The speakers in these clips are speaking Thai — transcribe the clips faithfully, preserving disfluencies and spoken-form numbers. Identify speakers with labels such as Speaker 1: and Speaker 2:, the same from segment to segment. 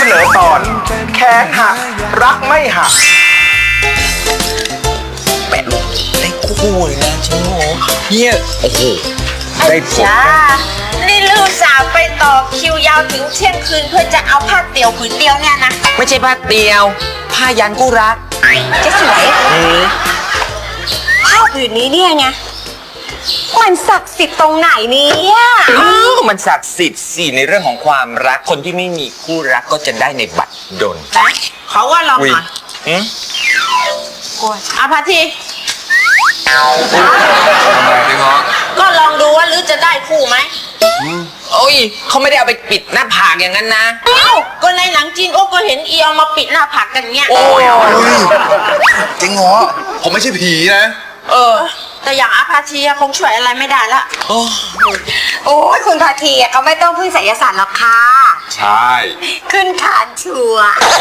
Speaker 1: นอตอนแค้นหักรักไม่หัก
Speaker 2: แปะลูกได้คู่เลยนะจริงโหเนี่ยโอ้โหได้ผล
Speaker 3: จ้านี่ลูกสาวไปต่อคิวยาวถึงเที่ยงคืนเพื่อจะเอาผ้าเตี่ยวผืนเดียวเนี่ยนะ
Speaker 2: ไม่ใช่ผ้าเตียวผ้ายันกู้รัก
Speaker 3: จะสวยผ้าผืนนี้เนี่ยไงมันศักดิ์สิทธิ์ตรงไหนเนี่ย
Speaker 2: อ้าวมันศักดิ์สิทธิ์สิในเรื่องของความรักคนที่ไม่มีคู่รักก็จะได้ในบัตรดล
Speaker 3: เขาว่าลองหน่อยอาพาที
Speaker 1: ทำไมพี่ง้อ
Speaker 3: ก็ลองดูว่าลือจะได้คู่ไหม
Speaker 2: โอ้ยเขาไม่ได้เอาไปปิดหน้าผากอย่างนั้นนะ
Speaker 3: เอ้าก็ในหนังจีนโอ้ก็เห็นเอียวมาปิดหน้าผากกันเงี้ย
Speaker 2: โอ้ย
Speaker 1: จริงเหรอผมไม่ใช่ผีนะ
Speaker 3: เออแต่อย่างอาพาทีคงช่วยอะไรไม่ได้ละ
Speaker 2: โอ้
Speaker 3: โอ้ยคุณพาทีเขาไม่ต้องพึ่งไสยศาสตร์หรอกค่ะ
Speaker 1: ใช่
Speaker 3: ขึ้นฐานชัว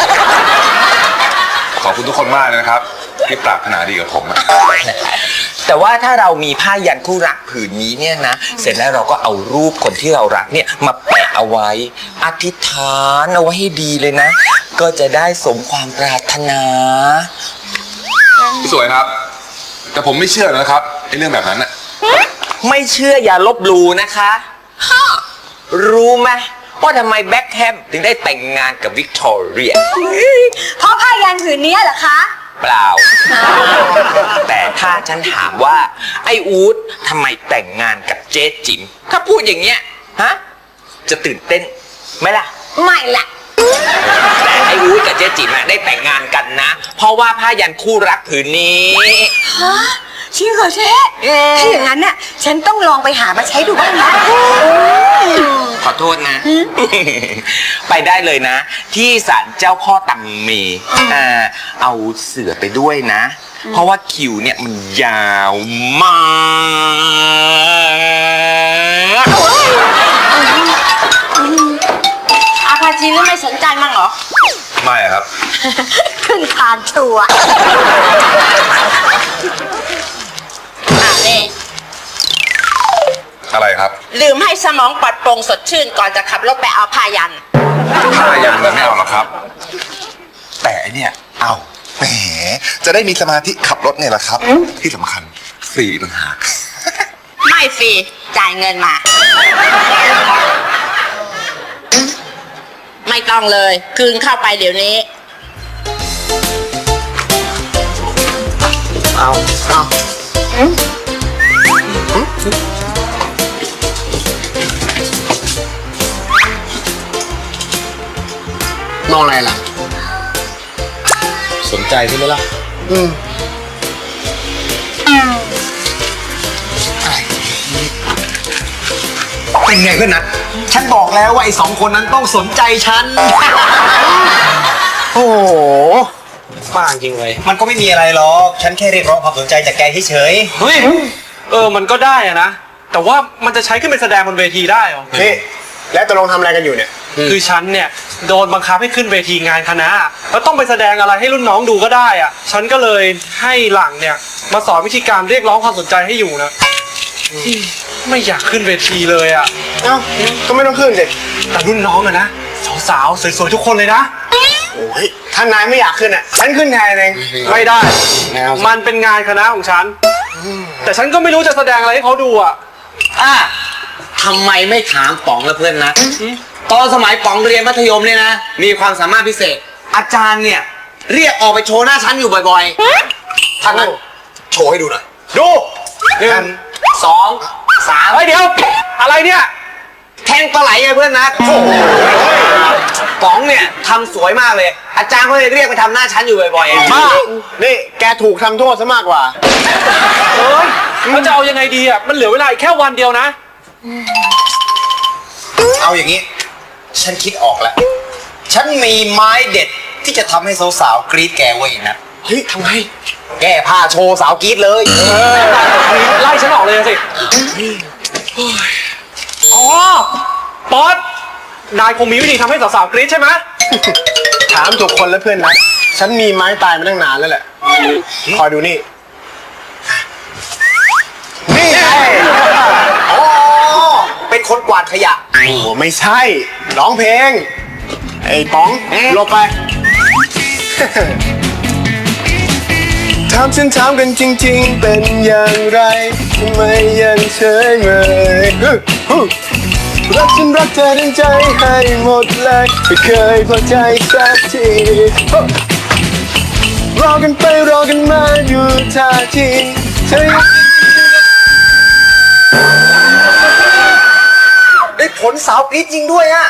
Speaker 1: ขอบคุณทุกคนมากเลยนะครับที่ปรารถนาดีกับผมอะ
Speaker 2: แต่ว่าถ้าเรามีผ้ายันคู่รักผืนนี้เนี่ยนะเสร็จแล้วเราก็เอารูปคนที่เรารักเนี่ยมาแปะเอาไว้อธิษฐานเอาไว้ให้ดีเลยนะก็จะได้สมความปรารถนา
Speaker 1: พี่สวยครับแต่ผมไม่เชื่อนะครับไอ้เรื่องแบบนั้นอะ
Speaker 2: ไม่เชื่ออย่าลบหลู่นะคะรู้ไหมว่าทำไมแบ็คแฮมถึงได้แต่งงานกับวิกตอเรีย
Speaker 3: เพราะผ้ายันผืนนี้เหรอคะ
Speaker 2: เปล่าแต่ถ้าฉันถามว่าไอ้อู๊ดทำไมแต่งงานกับเจ๊จิ๋มถ้าพูดอย่างเงี้ยฮะจะตื่นเต้นไหมล่ะ
Speaker 3: ไม่ล่ะ
Speaker 2: แต่ไอ้อู๊ดกับเจ๊จิ๋มได้แต่งงานกันนะเพราะว่าผ้ายันคู่รักผืนนี้
Speaker 3: ฮะจริงเหรอเจ๊ถ้าอย่างนั้นน่ะฉันต้องลองไปหามาใช้ดูบ้างนะ
Speaker 2: ขอโทษนะไปได้เลยนะที่ศาลเจ้าพ่อตังเมอ่าเอาเสือไปด้วยนะเพราะว่าคิวเนี่ยมันยาวมาก
Speaker 3: อาพาจีไม่สนใจมั้งเหรอ
Speaker 1: ไม่ครับ
Speaker 3: ขึ้นทานชัวนี่
Speaker 1: อะไรครับ
Speaker 3: ลืมให้สมองปลอดโปร่งสดชื่นก่อนจะขับรถไปเอาผ้ายัน
Speaker 1: ผ้ายันมันไม่เอาหรอกครับแต่ไอเนี่ยเอาแหมจะได้มีสมาธิขับรถไงล่ะครับที่สำคัญฟรีต่างหาก
Speaker 3: ไม่ฟรีจ่ายเงินมาไม่ต้องเลยคืนเข้าไปเดี๋ยวนี้
Speaker 1: เอาเอา
Speaker 2: มองอะไรล่ะ
Speaker 1: สนใจใช่ไหมล่ะ
Speaker 2: อืม
Speaker 4: เป็นไงเพื่อนนัทฉันบอกแล้วว่าไอ้สองคนนั้นต้องสนใจฉัน
Speaker 5: โอ้โหบ้าจริงเลย
Speaker 4: มันก็ไม่มีอะไรหรอกฉันแค่เรียกร้องความสนใจจากแกเฉย
Speaker 5: เฮ้ยเออมันก็ได้อะนะแต่ว่ามันจะใช้ขึ้นเป็นแสดงบนเวทีได้หรอ
Speaker 4: นี่แล้วตกลงทำอะไรกันอยู่เนี่ย
Speaker 5: คือฉันเนี่ยโดนบังคับให้ขึ้นเวทีงานคณะแล้วต้องไปแสดงอะไรให้รุ่นน้องดูก็ได้อ่ะฉันก็เลยให้หลังเนี่ยมาสอนวิธีการเรียกร้องความสนใจให้อยู่นะไม่อยากขึ้นเวทีเลยอ่ะ
Speaker 4: เอ้าก็ไม่ต้องขึ้นสิ
Speaker 5: แต่รุ่นน้องอะนะสาวๆสวยๆทุกคนเลยนะ
Speaker 4: โอ้ยถ้านายไม่อยากขึ้นอ่ะฉันขึ้นแทนเอง
Speaker 5: ไม่ได้มันเป็นงานคณะของฉันแต่ฉันก็ไม่รู้จะแสดงอะไรให้เขาดูอ่ะ
Speaker 2: อ่ะทำไมไม่ถามป๋องละเพื่อนนะตอนสมัยป๋องเรียนมัธยมเนี่ยนะมีความสามารถพิเศษอาจารย์เนี่ยเรียกออกไปโชว์หน้าชั้นอยู่บ่อยๆท่านนั้นโชว์ให้ดูหน่อย
Speaker 5: ดู
Speaker 2: หนึ่งสองสาม
Speaker 5: เฮ้ยเดี๋ยวอะไรเนี่ย
Speaker 2: แทงปลาไหลไงเพื่อนนะโอ้โหป๋องเนี่ยทำสวยมากเลยอาจารย์เขาเลยเรียกไปทำหน้าชั้นอยู่บ่อยๆ
Speaker 4: บ้านี่แกถูกทำโทษซะมากกว่า
Speaker 5: เฮ้ยเขาจะเอายังไงดีอ่ะมันเหลือเวลาอีกแค่วันเดียวนะ
Speaker 4: เอาอย่างนี้ฉันคิดออกแล้วฉันมีไม้เด็ดที่จะทำให้สาวๆกรี๊ดแกไว้นะ
Speaker 5: เฮ้ยทำไม
Speaker 4: แก้ผ้าโชว์สาวกรี๊ดเลย
Speaker 5: ไล่ฉันออกเลยสิอ๋อป๊อตนายคงมีวิธีทำให้สาวๆกรี๊ดใช่ไหม
Speaker 4: ถามถูกคนแล้วเพื่อนนะฉันมีไม้ตายมาตั้งนานแล้วแหละคอยดูนี่นี่ไง
Speaker 2: เป็นคนกวาดขยะ
Speaker 4: โอ้ไม่ใช่ร้องเพลง
Speaker 6: ไอ้ป๋องหลบไป ถามฉันถามกันจริงๆ เป็นอย่างไรทำไมยังเฉยเมยฮึฮึรักฉันรักเธอทั้งใจให้หมดเลยไม่เคยพอใจสักทีฮึรอกันไปรอกันมาอยู่ท่าทีเธอยัง
Speaker 4: ได้ผลสาวกรี๊ดจริงด้วยอะ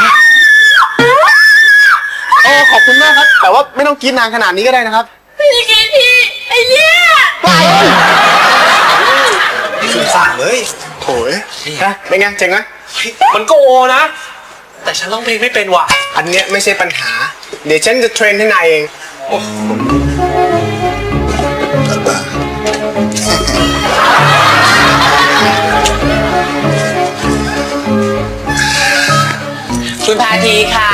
Speaker 6: โอ้ขอบคุณมากครับ แต่ว่าไม่ต้องกินนานขนาดนี้ก็ได้นะครับ
Speaker 3: พี่กินพี่ไอ้เนี่ย
Speaker 4: สงสารเลย
Speaker 6: โถ่ฮะเป็นไงเจ๋งไหม
Speaker 5: มันก็โอนะ แต่ฉันร้องเพลงไม่เป็นว่ะ
Speaker 6: อันเนี้ยไม่ใช่ปัญหา เดี๋ยวฉันจะเทรนให้นายเอง
Speaker 2: คุณพาทีค่ะ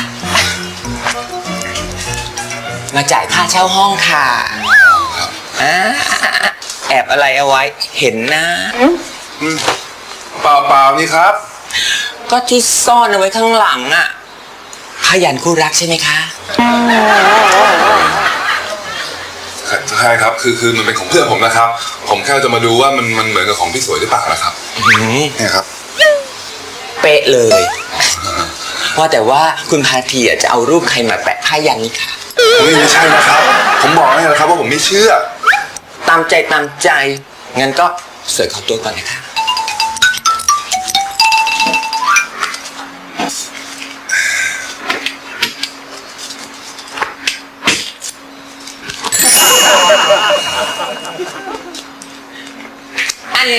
Speaker 2: มาจ่ายค่าเช่าห้องค่ะอ่าแอบอะไรเอาไว้ เห็นนะ
Speaker 1: เปล่าเปล่านี่ครับ
Speaker 2: ก็ที่ซ่อนเอาไว้ข้างหลังอะพยัญชนะคู่รักใช่ไหมคะ
Speaker 1: ใช่ครับ คือคือมันเป็นของเพื่อนผมนะครับ ผมแค่จะมาดูว่ามันมันเหมือนกับของพี่สวยหรือเปล่านะครับเนี่ยครับ
Speaker 2: เป๊ะเลย ว่าแต่ว่าคุณพาทีอะจะเอารูปใครมาแปะพยัญชนะนี่ค่ะ
Speaker 1: เฮ้ยไม่ใช่นะครับ ผมบอกให้นะครับว่าผมไม่เชื่อ
Speaker 2: ตามใจตามใจ งั้นก็เสิร์ฟเขาตัวก่อนนะคะ อันแน่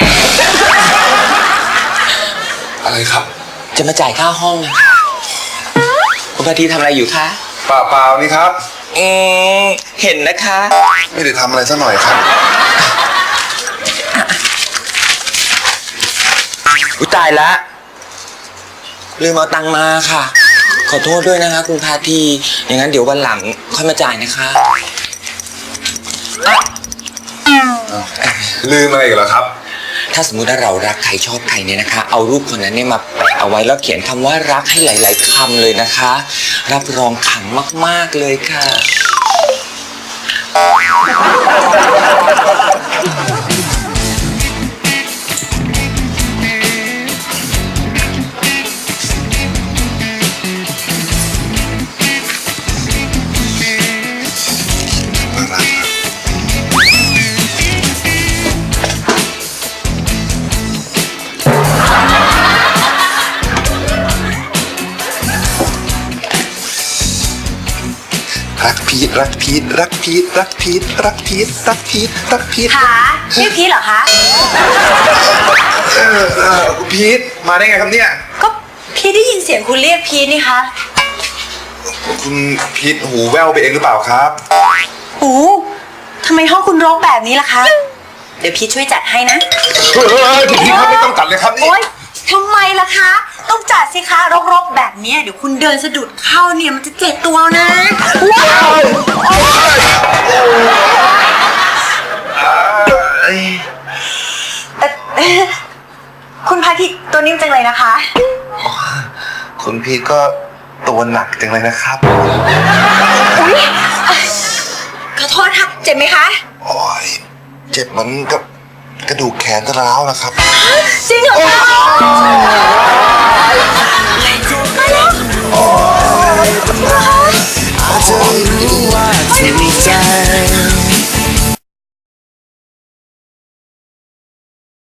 Speaker 1: อะไรครับ
Speaker 2: จะมาจ่ายค่าห้องนะคะคุณพาทีทำอะไรอยู่คะ
Speaker 1: เปล่าเปล่านี่ครับ
Speaker 2: อืมเห็นนะคะ
Speaker 1: ไม่ได้ทำอะไรซะหน่อยครับ
Speaker 2: อุยตายละลืมเอาตังค์มาค่ะ ขอโทษด้วยนะคะคุณพาทีอย่างนั้นเดี๋ยววันหลังค่อยมาจ่ายนะคะอ่ะ
Speaker 1: ลืมอะไรอีกเหรอครับ
Speaker 2: ถ้าสมมุติว่าเรารักใครชอบใครเนี่ยนะคะ เอารูปคนนั้นเนี่ยมาแปะเอาไว้แล้วเขียนคำว่ารักให้หลาย ๆคำเลยนะคะ รับรองขลังมาก ๆ เลยค่ะ
Speaker 1: รักพีทรักพีทรักพีทรักพีทรักพีทรักพีทรักพีท
Speaker 3: ขาชื่อพีทเหรอคะ
Speaker 1: เออเออคุณพีทมาได้ไงครับเนี่ย
Speaker 3: ก็พีทได้ยินเสียงคุณเรียกพีทนี่คะ
Speaker 1: คุณพีทหูแว่วไปเองหรือเปล่าครับ
Speaker 3: โอ้ทำไมห้องคุณรกแบบนี้ล่ะคะ เดี๋ยวพีทช่วยจัดให้นะ
Speaker 1: เฮ้ยคุณพีทครับไม่ต้องตัดเลยครับนี่
Speaker 3: โอ๊ยทำไมล่ะคะ ต้องจัดสิคะรกๆแบบเนี้ยเดี๋ยวคุณเดินสะดุดเข้าเนี่ยมันจะเจ็บตัวนะว้าวเอ่อเอ่อคุณพาทิตตัวนิ่มจังเลยนะคะ
Speaker 1: คุณพีทก็ตัวหนักจังเลยนะครับ
Speaker 3: อุ๊ยขอโทษค่ะเจ็บไหมคะ
Speaker 1: โอ้ยเจ็บเหมือนกับกระดูกแขนจะร้าวนะครับ
Speaker 3: จริงเหรอคะมาแล้ว
Speaker 6: อาจจะรู้ว่าถูกใจ